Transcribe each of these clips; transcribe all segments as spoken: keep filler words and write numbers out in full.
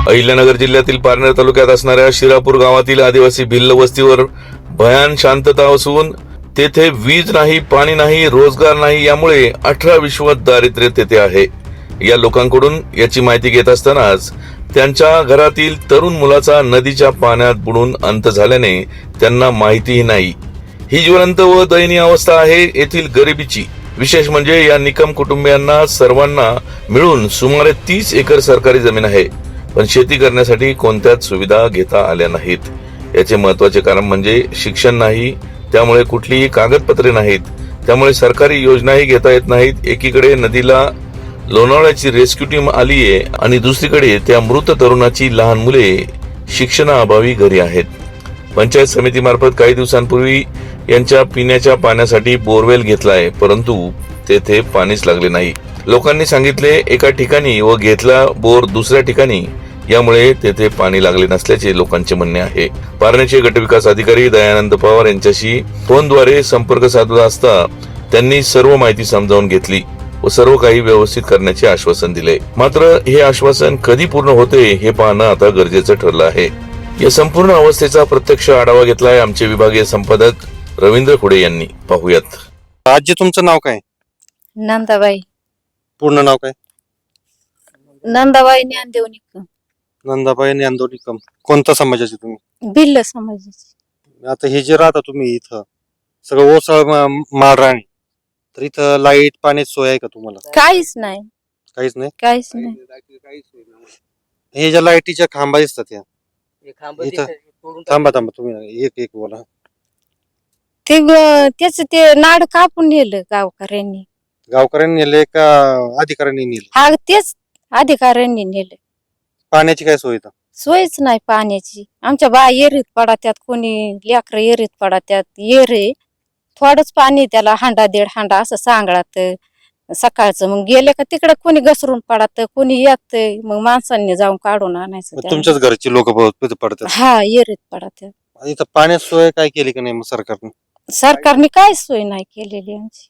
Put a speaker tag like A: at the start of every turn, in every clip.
A: अहिल्यानगर जिल्ह्यातील पारनेर तालुक्यात असणाऱ्या शिरापूर गावातील आदिवासी भिल्ल वस्तीवर भयान शांतता असून तेथे वीज नाही, पाणी नाही, रोजगार नाही, यामुळे अठरा विश्वात दारिद्र्य तेथे आहे. या लोकांकडून याची माहिती घेत असतानाच त्यांच्या घरातील तरुण मुलाचा नदीच्या पाण्यात बुडून अंत झाल्याने त्यांना माहितीही नाही. ही ज्वलंत व दयनीय अवस्था आहे येथील गरिबीची. विशेष म्हणजे या निकम कुटुंबियांना सर्वांना मिळून सुमारे तीस एकर सरकारी जमीन आहे, पण शेती करण्यासाठी कोणत्याच सुविधा घेता आल्या नाहीत. याचे महत्वाचे कारण म्हणजे शिक्षण नाही, त्यामुळे कुठलीही कागदपत्रे नाहीत, त्यामुळे सरकारी योजनाही घेता येत नाहीत. एकीकडे नदीला लोणावळ्याची रेस्क्यू टीम आलीये आणि दुसरीकडे त्या मृत तरुणाची लहान मुले शिक्षणाअभावी घरी आहेत. पंचायत समितीमार्फत काही दिवसांपूर्वी यांच्या पिण्याच्या पाण्यासाठी बोरवेल घेतलाय, परंतु तेथे पाणीच लागले नाही. लोकांनी सांगितले एका ठिकाणी व घेतला बोर दुसऱ्या ठिकाणी, यामुळे तेथे पाणी लागले नसल्याचे लोकांचे म्हणणे आहे. पारनेरचे गटविकास अधिकारी दयानंद पवार यांच्याशी फोनद्वारे संपर्क साधला असता त्यांनी सर्व माहिती समजावून घेतली व सर्व काही व्यवस्थित करण्याचे आश्वासन दिले. मात्र हे आश्वासन कधी पूर्ण होते हे पाहणं आता गरजेचं ठरलं आहे. या संपूर्ण अवस्थेचा प्रत्यक्ष आढावा घेतलाय आमचे विभागीय संपादक रवींद्र खुडे यांनी. पाहूयात.
B: आजी तुमचं नाव काय?
C: नंदाबाई.
B: पूर्ण नाव काय?
C: नंदाबाई ज्ञानदेव निकम.
B: नंदाबाई ज्ञानदेव निकम. कोणत्या समाजाचे तुम्ही?
C: भिल्ल समाजाची.
B: आता हे जे राहता तुम्ही इथं सगळं ओसाळ माळराणी, तर इथं लाईट पाण्याची सोय आहे का तुम्हाला?
C: काहीच नाही.
B: काहीच नाही.
C: काहीच नाही.
B: हे ज्या लाईटीच्या खांबा दिसतात या इथं, थांबा थांबा तुम्ही एक एक बोला.
C: ते त्याच ते नाड कापून नेलं गावकऱ्यांनी.
B: गावकऱ्यांनी नेले का अधिकाऱ्यांनी नेले?
C: हा तेच अधिकाऱ्यांनी नेलं.
B: पाण्याची काय सोय इथं?
C: सोयच नाही पाण्याची. आमच्या बा येरीत पडात्यात, कोणी लेकर येरीत पडात्यात. येरे थोडंच पाणी, त्याला हांडा दीड हांडा असं सांगळात सकाळचं. मग गेले का तिकडे कोणी घसरून पडत, कोणी येत, मग माणसांनी जाऊन काढून आणायचं.
B: तुमच्याच घरची लोक पडतात?
C: हा येरीत पडत्यात.
B: इथं पाण्याची सोय काय केली का नाही मग सरकारने?
C: सरकारने काय सोय नाही केलेली आमची.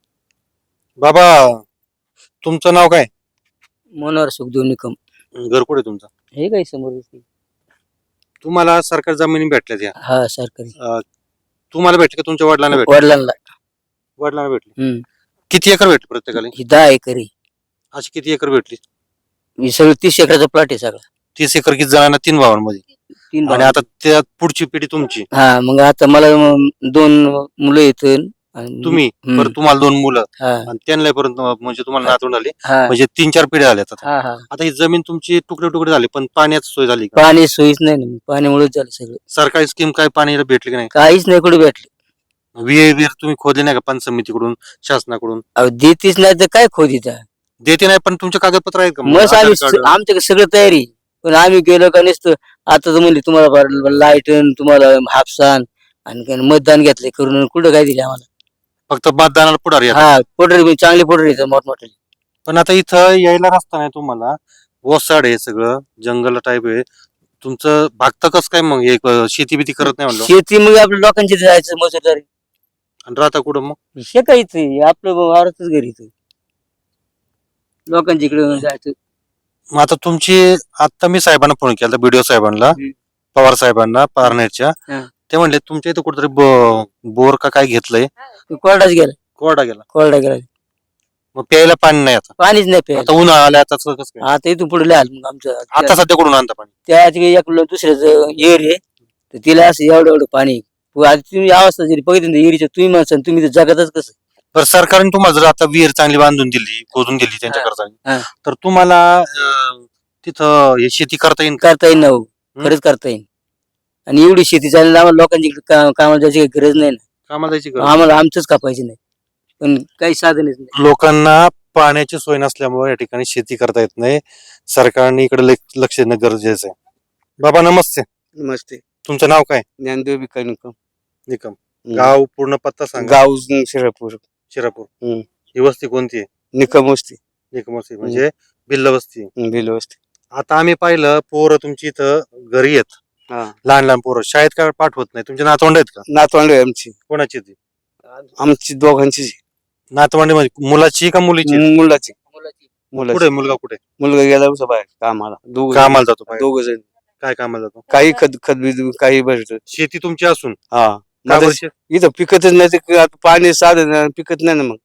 B: बाबा तुमचं नाव काय?
D: मनोहर सुखदेव निकम.
B: घर कुठे तुमचं?
D: हे काय समोर?
B: तुम्हाला सरकार जमिनी भेटल्या त्या?
D: हा सरकारी.
B: तुम्हाला भेटले का तुमच्या वडिलांना भेटले?
D: वडिलांना.
B: वडिलांना भेटले.
D: हम्म.
B: किती एकर भेटले प्रत्येकाला?
D: ही दहा एकर आहे.
B: अशी किती एकर भेटली?
D: ही सगळं तीस एकराचा प्लॉट आहे सगळा.
B: तीस एकर किती जणांना? तीन भावांमध्ये.
D: तीन
B: आणि
D: भाव.
B: आता त्या पुढची पिढी तुमची.
D: हा मग आता मला म- दोन मुलं येत.
B: तुम्ही
D: हम्म.
B: परत तुम्हाला दोन मुलं
D: हा
B: आणि त्यांना परत म्हणजे तुम्हाला नातवंड आले,
D: हा
B: म्हणजे तीन चार पिढ्या आल्या आता.
D: हा हा.
B: आता ही जमीन तुमची तुकडे तुकडे झाले, पण पाण्याची सोय झाली का?
D: पाणी सोयीच नाही ना, पाण्यामुळेच झालं सगळं.
B: सरकारी स्कीम काय पाणी भेटली की नाही?
D: काहीच नाही कुठे भेटले.
B: विहीर विहीर तुम्ही खोदले नाही का पंच समितीकडून, शासनाकडून?
D: अहो देतीच नाही तर काय खोद इथं.
B: देते नाही, पण तुमचे कागदपत्र आहेत का?
D: मग
B: आधार
D: आम्ही
B: कार्ड?
D: आमच्याकडे सगळं तयारी, पण आम्ही गेलो का नसतं. आता तर म्हणले तुम्हाला लाईट, तुम्हाला हापसान आणि काय मतदान घेतले करून, कुठं काय दिले आम्हाला.
B: फक्त मतदानाला पुढारी आहेत.
D: हा पोटर चांगले पोटर येतात मोठमोठे.
B: पण आता इथं यायला रस्ता नाही तुम्हाला, ओसाड आहे सगळं, जंगल टाईप आहे तुमचं. भागतं कसं काय मग? एक शेती बिती करत नाही म्हणलं,
D: शेती मग आपल्या लोकांची जायचं मजुरदारी.
B: आणि राहता कुठं मग?
D: शेतायचं आपलं वावरातच घरी इथं. लोकांच्या इकडे जायचं.
B: मग आता तुमची, आता मी साहेबांना फोन केला, बीडीओ साहेबांना,
D: हम्म.
B: पवार साहेबांना पारनेरच्या.
D: हा.
B: ते म्हणले तुमच्या इथं कुठेतरी ब- बोर का काय घेतलंय?
D: कोरडाच गेला.
B: कोरडा गेला.
D: कोरडा गेला.
B: मग प्यायला पाणी नाही आता?
D: पाणीच नाही प्यायला.
B: आता उन्हाळा आला, आता कसं काय?
D: आता इथून पुढे लिहाल मग आमचं.
B: आता सध्या कुठून आणता पाणी?
D: त्या एक दुसऱ्याचं येर आहे, तर तिला असं एवढं एवढं पाणी. आता तुम्ही अवस्था जरी बघितली येरीच्या, तुम्ही म्हणसान तुम्ही तर जगातच कसं.
B: तर सरकारने तुम्हाला जर आता विहीर चांगली बांधून दिली, खोदून दिली त्यांच्या
D: हा.
B: खर्चाने,
D: हा.
B: तर तुम्हाला अं, तिथं हे शेती करता येईल का?
D: करता येईल ना हो, खरंच करता येईल. आणि एवढी शेती चालेल आम्हाला, लोकांची इकडे का- कामाला जायची काही गरज नाही ना.
B: कामाला जायची गरज
D: आम्हाला आमचंच कापायची नाही, पण काही साधनच नाही.
B: नाही. लोकांना पाण्याची सोय नसल्यामुळे या ठिकाणी शेती करता येत नाही. सरकारने इकडे लक्ष लक्ष देणं गरजेचं आहे. बाबा नमस्ते.
E: नमस्ते.
B: तुमचं नाव काय?
E: ज्ञानदेव बिका निकम.
B: निकम. गाव पूर्ण पत्ता सांगा.
E: गाव शिरापूर.
B: शिरापूर.
E: हम्म.
B: ही वस्ती कोणती आहे?
E: निकम वस्ती.
B: निकम वस्ती म्हणजे भिल्ल वस्ती.
E: भिल वस्ती.
B: आता आम्ही पाहिलं पोरं तुमची इथं घरी येत,
E: हा.
B: लहान लहान पोरं शाळेत काय पाठवत नाही. तुमचे नातवंड आहेत का?
E: नातवंड आहे आमची.
B: कोणाची ती
E: आमची दोघांची.
B: नातवंड? म्हणजे मुलाची का मुलीची?
E: मुलाची. मुलं
B: कुठे मुलगा कुठे
E: मुलगा गेला उसा बाहेर कामाला दोघ
B: कामाला जातो बाहेर?
E: दोघ जण
B: काय कामाला जातो?
E: काही खत खत बीज काही भरत
B: शेती तुमची असून
E: हा
B: का
E: माझं
B: बरं शे-
E: इथं पिकतच नाही ते आता पाणी साधन नाही, पिकत नाही ना मग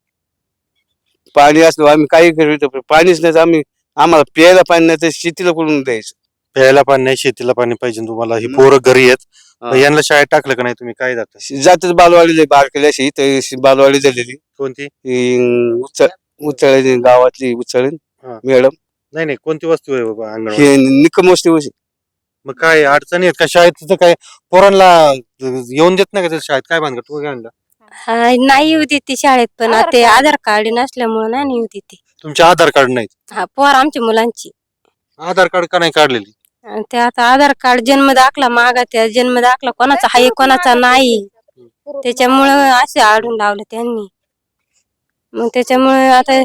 E: पाणी असलं आम्ही काही करू पाणीच नाही तर आम्ही आम्हाला प्यायला पाणी नाही तर शेतीला कुठून द्यायचं
B: प्यायला पाणी नाही, शेतीला पाणी पाहिजे तुम्हाला. ही
E: मग.
B: पोरं घरी आहेत,
E: हा.
B: मग यांना शाळेत टाकलं का नाही तुम्ही? काय जातं?
E: जातच बालवाडीला बारकेल्या अशी इथं बालवाडी झालेली
B: कोणती?
E: ही उचळ उचळ गावातली उचळ
B: हा.
E: मॅडम
B: नाही नाही, कोणती वस्तू आहे बाबा अंगणवाडी?
E: हे निकमोष्टी वशी
B: मग काय अडचणी आहेत का शाळेत? तिथं काय पोरांना येऊन देत नाही का तिथं शाळेत? काय भानगड? तू काय आणलं?
F: हा, नाही येऊ देते शाळेत, पण
C: आधार
F: ते
C: कार्ड.
F: आधार कार्ड नसल्यामुळे नाही येऊ देते.
B: तुमचे आधार कार्ड नाहीत?
F: हा, पोर आमच्या मुलांची.
B: आधार कार्ड का नाही काढलेली?
F: आणि ते आता आधार कार्ड जन्म दाखला मागा, त्या जन्म दाखला कोणाचा आहे कोणाचा नाही, त्याच्यामुळं असे आडून लावले त्यांनी. मग त्याच्यामुळे आता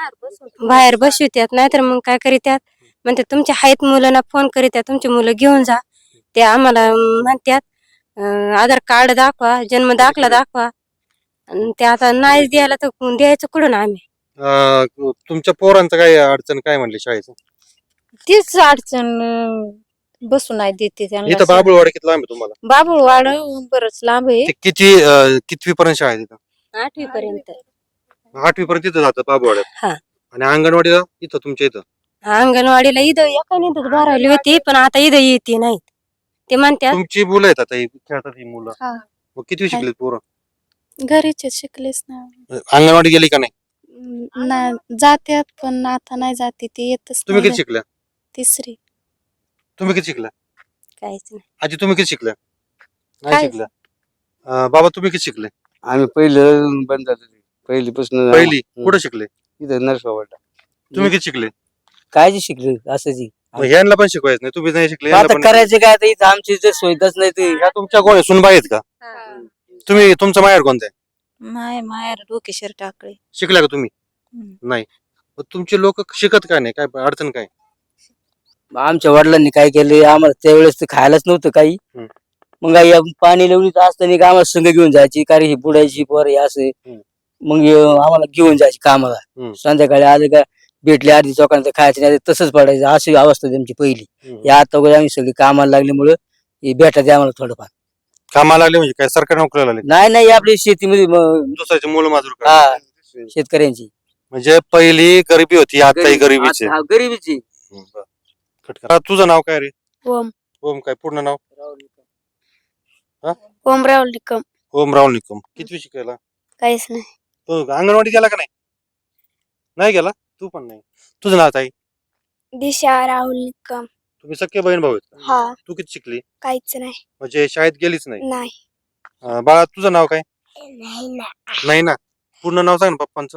F: बाहेर बसवित्यात, नाहीतर मग काय करीत्यात म्हणते तुमच्या आहेत मुलांना फोन करीत्यात, तुमची मुलं घेऊन जा. ते आम्हाला म्हणतात अं, आधार कार्ड दाखवा, जन्म दाखला दाखवा. आणि ते आता नाही द्यायला तर द्यायचं कुठून आम्ही?
B: अं, तुमच्या पोरांचं काय अडचण काय म्हणली शाळेचं?
C: तीच अडचण अं, बसू नाही देते
B: इथं
C: त्यांना.
B: बाबुळवाडी किती लांब आहे तुम्हाला?
C: बाबुळवाड बरंच लांब आहे.
B: ते किती अं, कितवी पर्यंत शाळा आहे तिथं?
F: आठवी पर्यंत.
B: आठवी पर्यंत तिथं जातं बाबुळवाड्यात?
F: हा.
B: आणि अंगणवाडीला इथं तुमच्या इथं?
F: अंगणवाडीला इथं एका इथं भरावली होती, पण आता इथं येते नाहीत. ते म्हणतात
B: तुमची मुलं आहेत आता, ही खेळतात ही मुलं.
G: हा.
B: मग किती शिकलेत पोरं?
G: घरीच आहेत, शिकलेच ना.
B: अंगणवाडी गेली का नाही?
G: अं, ना जात्यात पण आता नाही जाते ते येतच
B: तुम्ही
G: नाही
B: किती शिकल्या?
G: तिसरी.
B: तुम्ही किती शिकल्या?
F: काहीच नाही.
B: आजी तुम्ही किती शिकल्या? नाही
G: काय?
B: शिकल्या. अं, बाबा तुम्ही किती शिकले?
E: आम्ही पहिलं बंद झालं पहिलीपासून
B: पहिली
E: हम्म.
B: कुठे शिकले?
E: इथं नरसोबाला
B: तुम्ही किती शिकले?
D: काय जे शिकले असं जी
B: मग ह्यांना पण शिकवायचं नाही? तुम्ही नाही शिकले,
D: आता
B: ह्यांना पण-
D: करायचं काय आता इथं आमची इथं सोयीच नाही ते.
B: ह्या तुमच्या कोण सुनबाई आहेत का? तुम्ही तुमचं माहेर कोणतं आहे?
G: माय मायर डोकेश्वर टाकळे.
B: शिकल्या का तुम्ही?
G: हम्म.
B: नाही. मग तुमचे लोक शिकत काय नाही? काय अडचण काय?
D: आमच्या वडिलांनी काय केलं आम्हाला त्यावेळेस ते खायलाच नव्हतं काही.
B: हम्म.
D: मग आई आम- पाणी लावणीत असताना का आम्हाला संघ घेऊन जायची, कारण ही बुडायची पोर हे असं.
B: हम्म.
D: मग अं, आम्हाला घेऊन जायची कामाला.
B: हम्म.
D: संध्याकाळी आले का भेटले अर्धी चौकांचं खायचं नाही तसंच पडायचं, अशी अवस्था त्यांची पहिली.
B: हम्म.
D: या आता वगैरे आम्ही सगळी कामाला लागल्यामुळं हे भेटायचं आम्हाला थोडंफार.
B: कामाला लागले म्हणजे काय सरकारी नोकरीला लागले?
D: नाही नाही आपली शेतीमध्ये मग
B: दुसऱ्याचे मूल माजूर
D: हा
B: काय?
D: शेतकऱ्यांची
B: म्हणजे पहिली गरिबी होती, आता ही गरिबीची.
D: हा, गरिबीची.
B: हम्म, बरं. कट करा. तुझं नाव काय रे?
G: ओम
B: ओम काय पूर्ण नाव?
G: ओम राहुल निकम.
B: ओम राहुल निकम. कितवी शिकायला?
G: काहीच नाही.
B: तो अंगणवाडी गेला का नाही? नाही गेला? तू पण नाही. तुझं नाव काय?
G: दिशा राहुल निकम.
B: तुम्ही सख्खे बहीण भाऊ आहेत का?
G: हा.
B: तू किती शिकली?
G: काहीच नाही.
B: म्हणजे शाळेत गेलीच नाही?
G: नाही.
B: अं, बाळा तुझं नाव काय?
G: नाही ना.
B: नाही ना. पूर्ण नाव सांग ना पप्पांचं.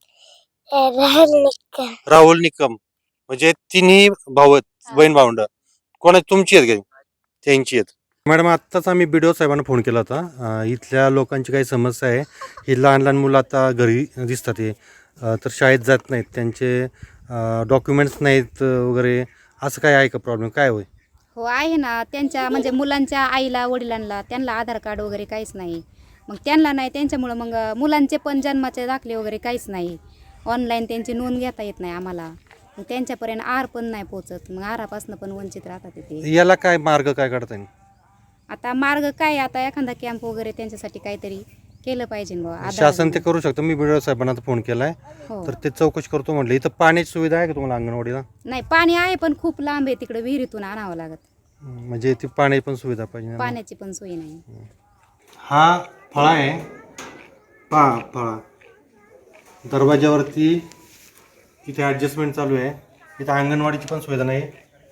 G: राहुल निकम.
B: राहुल निकम. म्हणजे तिन्ही भाऊ आहेत, बहीण भावंड. कोणा तुमची आहेत का? त्यांची आहेत. मॅडम आत्ताच आम्ही बी डी ओ साहेबांना फोन केला होता. अं, इथल्या लोकांची काही समस्या आहे. ही लहान लहान मुलं आता घरी दिसतात हे अं, तर शाळेत जात नाहीत, त्यांचे डॉक्युमेंट्स नाहीत वगैरे असं काय आहे का प्रॉब्लेम? काय होय?
H: हो आहे ना. त्यांच्या म्हणजे मुलांच्या आईला वडिलांना त्यांना आधार कार्ड वगैरे काहीच नाही. मग त्यांना नाही, त्यांच्यामुळं मग मुलांचे पण जन्माचे दाखले वगैरे काहीच नाही. ऑनलाईन त्यांची नोंद घेता येत नाही आम्हाला. मग त्यांच्यापर्यंत आर पण नाही पोचत, मग आरापासून पण वंचित राहतात ते.
B: याला काय मार्ग काय काढता येईल?
H: आता मार्ग काय, आता एखादा कॅम्प वगैरे त्यांच्यासाठी काहीतरी केलं पाहिजे बुवा. आधार-
B: शासन ते करू शकतं. मी बी डी ओ साहेबांना आता फोन केलाय,
H: हो.
B: तर ते चौकशी करतो म्हटले. इथं पाण्याची सुविधा आहे का तुम्हाला अंगणवाडीला?
H: नाही, पाणी आहे पण खूप लांब आहे, तिकडे विहिरीतून आणावं लागत.
B: म्हणजे ती पाण्याची पण सुविधा पाहिजे ना?
H: पाण्याची पण सोय नाही.
B: हा फळा आहे पहा, फळा दरवाज्यावरती इथे ॲडजस्टमेंट चालू आहे. इथं अंगणवाडीची पण सुविधा नाही.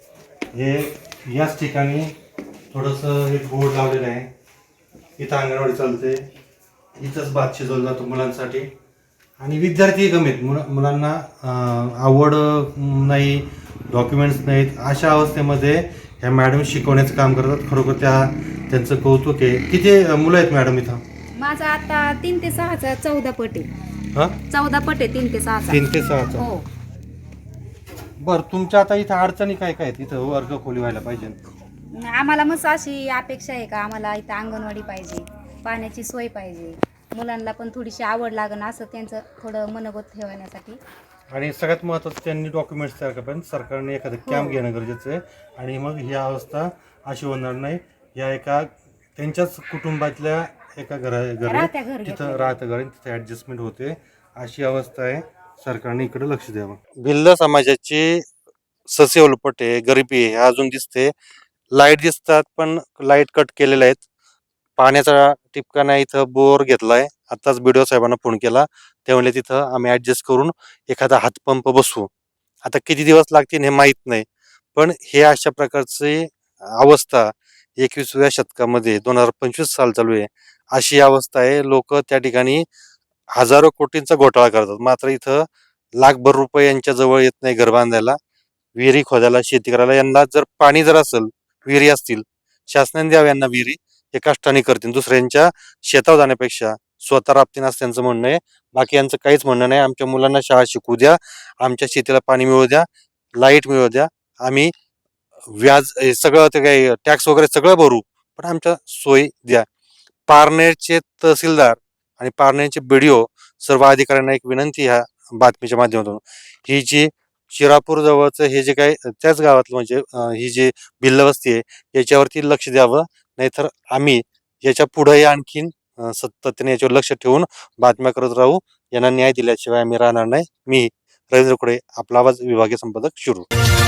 B: हे याच ठिकाणी थोडंसं हे बोर्ड लावलेलं आहे. इथं अंगणवाडी चालते. इथंच भात शिजवला जातो मुलांसाठी. आणि विद्यार्थी कमी आहेत. मुला मुलांना अं, आवड अं, नाही, डॉक्युमेंट्स नाहीत. अशा अवस्थेमध्ये ह्या मॅडम शिकवण्याचं काम करतात. खरोखर त्या त्यांचं कौतुक आहे. किती अं, मुलं आहेत मॅडम इथं?
H: माझा आता तीन ते सहाचा चौदा पट आहे.
B: हां,
H: चौदा पट आहे तीन ते सहाचा.
B: तीन ते सहाचा.
H: हो.
B: बरं, तुमच्या आता इथं अडचणी काय काय आहेत? इथं वर्ग खोली व्हायला पाहिजे.
H: आम्हाला मस्त अशी अपेक्षा आहे का आम्हाला इथं अंगणवाडी पाहिजे, पाण्याची सोय पाहिजे, मुलांना पण थोडीशी आवड लागणं असं त्यांचं थोडं मनोगत ठेवण्यासाठी
B: आणि सगळ्यात महत्त्वाचं त्यांनी डॉक्युमेंट्स तयार करा, पण सरकारने एखादं कॅम्प घेणं गरजेचं आहे. आणि मग ही अवस्था अशी होणार नाही. या एका त्यांच्याच कुटुंबातल्या एका घरा
H: राहत्या
B: घरी
H: घर
B: तिथं
H: घेतलेलं.
B: राहतं घर तिथं ॲडजस्टमेंट होते, अशी अवस्था आहे. सरकारने इकडे लक्ष द्यावं.
I: भिल्ल समाजाची ससेवलपट आहे, गरिबी आहे अजून दिसते. लाईट दिसतात पण लाईट कट केलेल्या आहेत. पाण्याचा टिपका नाही, इथं बोर घेतलाय. आताच बीडीओ साहेबांना फोन केला, ते म्हणले तिथं आम्ही ऍडजस्ट करून एखादा हातपंप बसवू. आता किती दिवस लागतील हे माहीत नाही, पण हे अशा प्रकारची अवस्था एकविसाव्या शतकामध्ये दोन हजार पंचवीस साल चालू आहे, अशी अवस्था आहे. लोक त्या ठिकाणी हजारो कोटींचा घोटाळा करतात, मात्र इथं लाखभर रुपये यांच्या जवळ येत नाही घर बांधायला, विहिरी खोदायला, शेती करायला. यांना जर पाणी जर असेल, विहिरी असतील, शासनाने द्यावं यांना विहिरी. हे कष्टाने करतील, दुसऱ्यांच्या शेतावर जाण्यापेक्षा स्वतः राबतील असं त्यांचं म्हणणं आहे. बाकी यांचं काहीच म्हणणं नाही. आमच्या मुलांना शाळा शिकू द्या, आमच्या शेतीला पाणी मिळू द्या, लाईट मिळू द्या, आम्ही व्याज हे सगळं ते काही टॅक्स वगैरे सगळं भरू, पण आमच्या सोयी द्या. पारनेरचे तहसीलदार आणि पारनेरचे बीडीओ सर्व अधिकाऱ्यांना एक विनंती ह्या बातमीच्या माध्यमातून, ही जी शिरापूर जवळचं हे जे काही त्याच गावातलं म्हणजे अं, ही जी भिल्ल वस्ती आहे याच्यावरती लक्ष द्यावं. नाहीतर आम्ही याच्या पुढेही आणखीन अं, सातत्याने याच्यावर लक्ष ठेवून बातम्या करत राहू. यांना न्याय दिल्याशिवाय आम्ही राहणार नाही. मी रवींद्र कुडे, आपला आवाज, विभागीय संपादक, शिरूर.